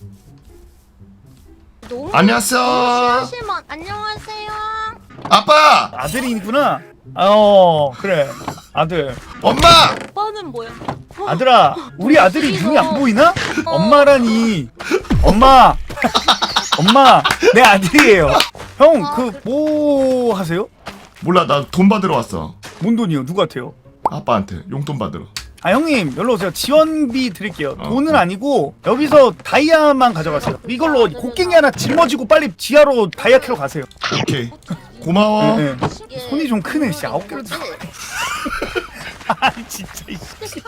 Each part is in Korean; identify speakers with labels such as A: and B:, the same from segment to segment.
A: 너무
B: 안녕하세요.
A: 심하시면 안녕하세요.
B: 아빠.
C: 아들이구나. 그래 아들.
B: 엄마.
A: 오빠는 뭐야?
C: 아들아, 우리 아들이
A: 이거.
C: 눈이 안 보이나? 엄마라니. 엄마 내 아들이에요. 형 그 뭐 하세요?
B: 몰라, 나 돈 받으러 왔어.
C: 뭔 돈이요? 누구한테요?
B: 아빠한테 용돈 받으러.
C: 아 형님 여기로 오세요. 지원비 드릴게요.
B: 어.
C: 돈은 아니고 여기서 다이아만 가져가세요. 이걸로 곡괭이 하나 짊어지고 빨리 지하로 다이아 캐러 가세요.
B: 오케이. 고마워.
C: 네, 네.
A: 이게
C: 손이 좀 크네. 씨 9개를
A: 뭐지?
C: 들어. 아 진짜.
A: 근데 사실은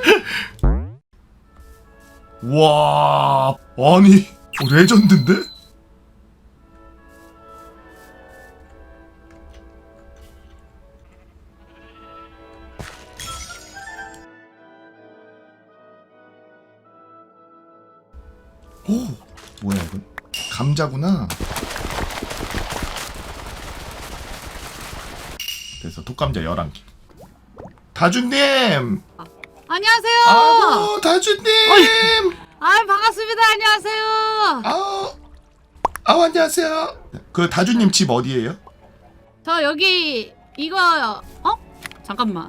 B: 와, 아니, 레전드인데? 오, 뭐야 이건? 감자구나. 그래서 독감자 11개. 다준님!
D: 안녕하세요.
B: 아우, 다준님!
D: 아 반갑습니다. 안녕하세요.
B: 아우, 안녕하세요. 그 다준님 집 어디예요?
D: 저 여기 이거 잠깐만.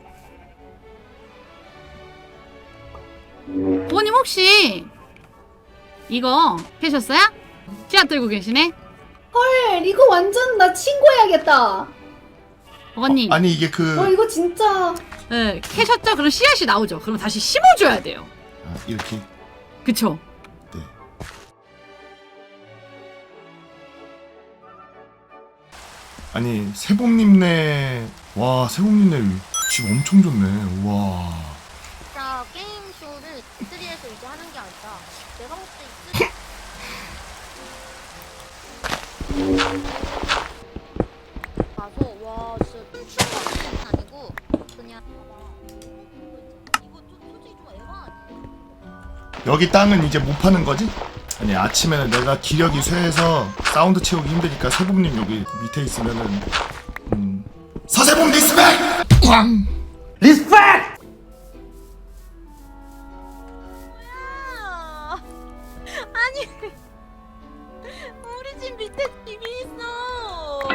D: 부모님 혹시 이거 캐셨어요? 씨앗 들고 계시네.
E: 헐, 이거 완전 나 친구해야겠다.
D: 어머님,
B: 아니 이게 그
E: 이거 진짜.
D: 네, 캐셨죠? 그럼 씨앗이 나오죠. 그럼 다시 심어줘야 돼요.
B: 이렇게.
D: 그쵸?
B: 네. 아니 세봄님네, 와 세봄님네 집 엄청 좋네. 와.
A: 진짜 게임 쇼를 E3에서 이제 하는 게 아니라 내가 봤을 때 가서 와 진짜 미친 거 아니고 그냥 이거 좀 솔직히 좀 에바 아니야?
B: 여기 땅은 이제 못 파는 거지? 아니 아침에는 내가 기력이 쇠해서 사운드 채우기 힘드니까 세봄님 여기 밑에 있으면은 서세봄 리스펙! 꽝!
C: 리스펙!
A: 아니 우리 집 밑에 집이 있어.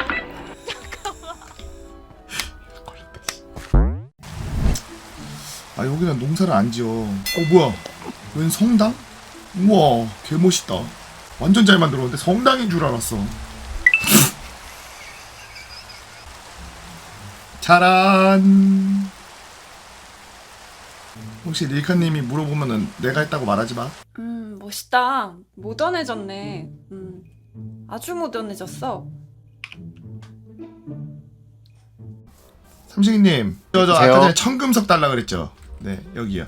B: 아 여기는 농사를 안 지어. 뭐야? 웬 성당? 우와 개멋있다. 완전 잘 만들었는데 성당인 줄 알았어. 짜란. 혹시 릴카님이 물어보면은 내가 했다고 말하지 마.
F: 멋있다. 모던해졌네. 아주 모던해졌어.
B: 삼식이님, 저 아까
G: 안녕하세요.
B: 전에 청금석 달라 그랬죠? 네, 여기요.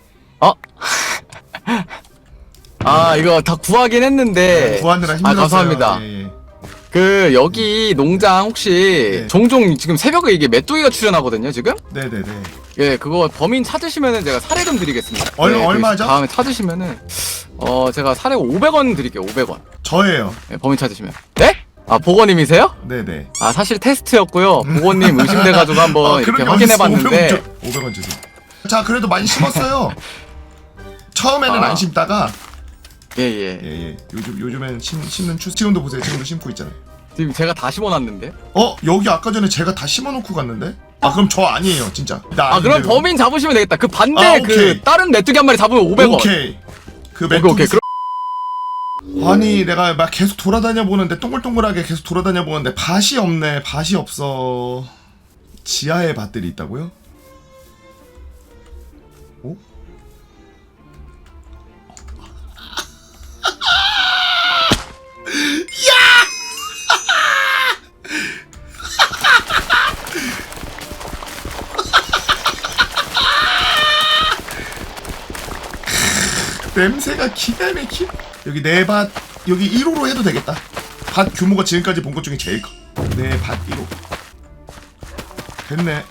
G: 아 이거 다 구하긴 했는데
B: 구하느라 힘들었어요.
G: 감사합니다.
B: 예.
G: 그 여기 농장 혹시
B: 네.
G: 종종 지금 새벽에 이게 메뚜기가 출연하거든요 지금?
B: 네네네.
G: 예 그거 범인 찾으시면은 제가 사례금 드리겠습니다.
B: 얼마죠?
G: 다음에 찾으시면은 제가 사례 500원 드릴게요. 500원.
B: 저예요.
G: 예, 범인 찾으시면. 네? 아 보건님이세요?
B: 네네.
G: 아 사실 테스트였고요. 보건님 의심돼가지고 한번 이렇게 확인해봤는데
B: 500원 주세요. 자, 그래도 많이 심었어요. 처음에는 안 심다가
G: 예예.
B: 예. 요즘엔 심는 지금도 보세요. 지금도 심고 있잖아요.
G: 지금 제가 다 심어놨는데.
B: 여기 아까 전에 제가 다 심어놓고 갔는데? 아, 그럼 저 아니에요, 진짜. 나
G: 아 그럼
B: 아닌데요.
G: 범인 잡으시면 되겠다. 그 반대
B: 아,
G: 그
B: 오케이.
G: 다른 메뚜기 한 마리 잡으면 500원.
B: 오케이. 그
G: 오케이.
B: 메뚜기. 아니 내가 막 계속 돌아다녀 보는데 동글동글하게 계속 돌아다녀 보는데 밭이 없네. 밭이 없어. 지하에 밭들이 있다고요? 오? 냄새가 기가 막히. 여기 내 밭 여기 1호로 해도 되겠다. 밭 규모가 지금까지 본 것 중에 제일 커. 내 밭 1호. 됐네.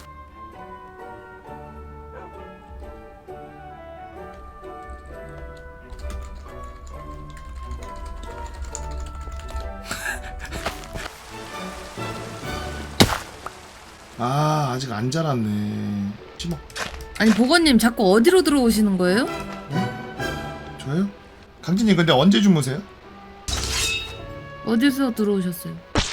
B: 아 아직 안 자랐네. 심어.
H: 아니 보건님 자꾸 어디로 들어오시는 거예요?
B: 저요? 강진님 근데 언제 주무세요?
D: 어디서 들어오셨어요?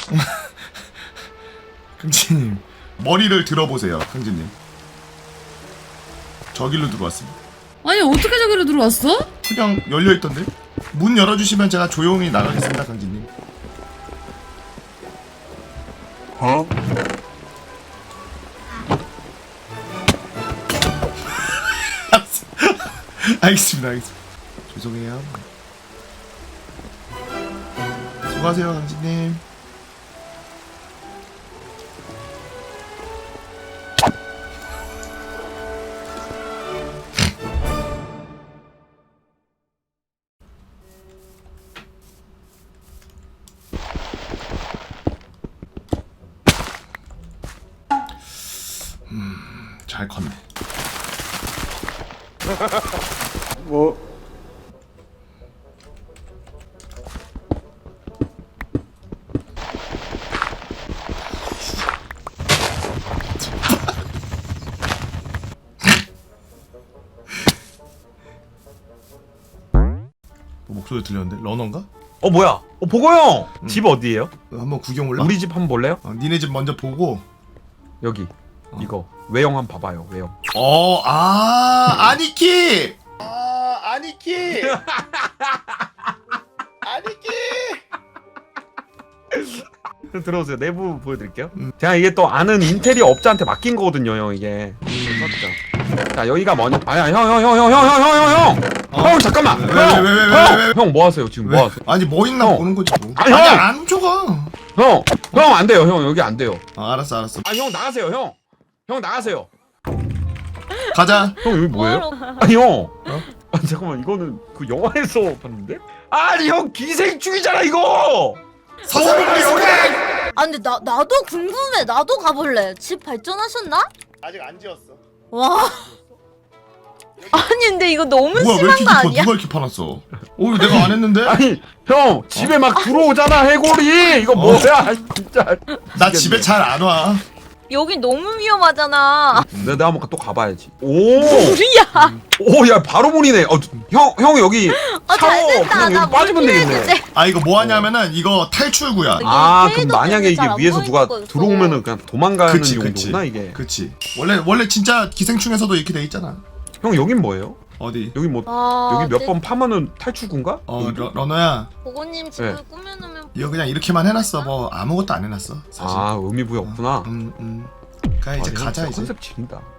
B: 강진님 머리를 들어보세요. 강진님 저길로 들어왔습니다.
D: 아니 어떻게 저기로 들어왔어?
B: 그냥 열려있던데? 문 열어주시면 제가 조용히 나가겠습니다. 강진님. 알겠습니다. 알겠습니다. 죄송해요. 수고하세요 강진님. 잘 컸네.
C: 뭐
B: 목소리 들렸는데? 러너인가?
H: 뭐야? 보고 형! 집 어디에요?
B: 한번 구경 올라?
H: 우리 집 한번 볼래요?
B: 니네 집 먼저 보고.
H: 여기 이거 외형 한번 봐봐요. 외형.
B: 아니키! 아니키! 아니키!
H: 들어오세요. 내부 보여드릴게요. 제가 이게 또 아는 인테리어 업자한테 맡긴 거거든요, 형 이게. 자 여기가 뭐냐? 아야 형 잠깐만. 형 뭐 하세요 지금? 뭐 하세요?
B: 아니 뭐 있나
H: 형.
B: 보는 거지 뭐.
H: 아니,
B: 아니
H: 형!
B: 안 줘가.
H: 형 안 돼요. 형 여기 안 돼요.
B: 알았어.
H: 형 나가세요, 형. 형 나가세요.
B: 가자.
H: 형 여기 뭐예요? 아니 형. 아니 잠깐만 이거는 그 영화에서 봤는데? 아니 형 기생충이잖아 이거.
B: 서세범 리스펙!
A: 아 근데 나도 궁금해. 나도 가볼래. 집 발전하셨나?
B: 아직 안 지었어.
A: 와. 아니 근데 이거 너무
B: 뭐야 왜
A: 심한
B: 이렇게
A: 거
B: 깊어?
A: 아니야?
B: 누가 이렇게 파놨어? 이거 내가 안 했는데?
H: 아니 형 집에 막 들어오잖아 해골이. 이거 뭐야 진짜.
B: 나 집에 잘 안 와.
A: 여기 너무 위험하잖아.
H: 내가 한번 또 가봐야지. 오.
A: 우리야.
H: 오야 바로 문이네. 형 여기 샤워
A: 잘됐다.
H: 그냥
A: 나
H: 여기 빠지면 되겠네.
A: 이제.
B: 아 이거 뭐 하냐면은 이거 탈출구야.
H: 아 그럼
A: 쉐이더
H: 만약에 이게
A: 때문에 잘안
H: 위에서 누가
A: 보이는 거였어.
H: 들어오면은 그냥 도망가는
B: 그치.
H: 용도구나 이게.
B: 그치. 원래 진짜 기생충에서도 이렇게 돼 있잖아.
H: 형 여긴 뭐예요?
B: 어디?
H: 여기 뭐
A: 아,
H: 여기 몇 번 파면은 탈출구인가?
B: 러너야.
A: 보고님 집을
H: 네.
A: 꾸며놓으면
B: 이거 그냥 이렇게만 해놨어. 뭐 아무것도 안 해놨어. 사실.
H: 아 의미 부여 없구나.
B: 가 이제
H: 아,
B: 가자
H: 형
B: 이제.
H: 컨셉 지린다.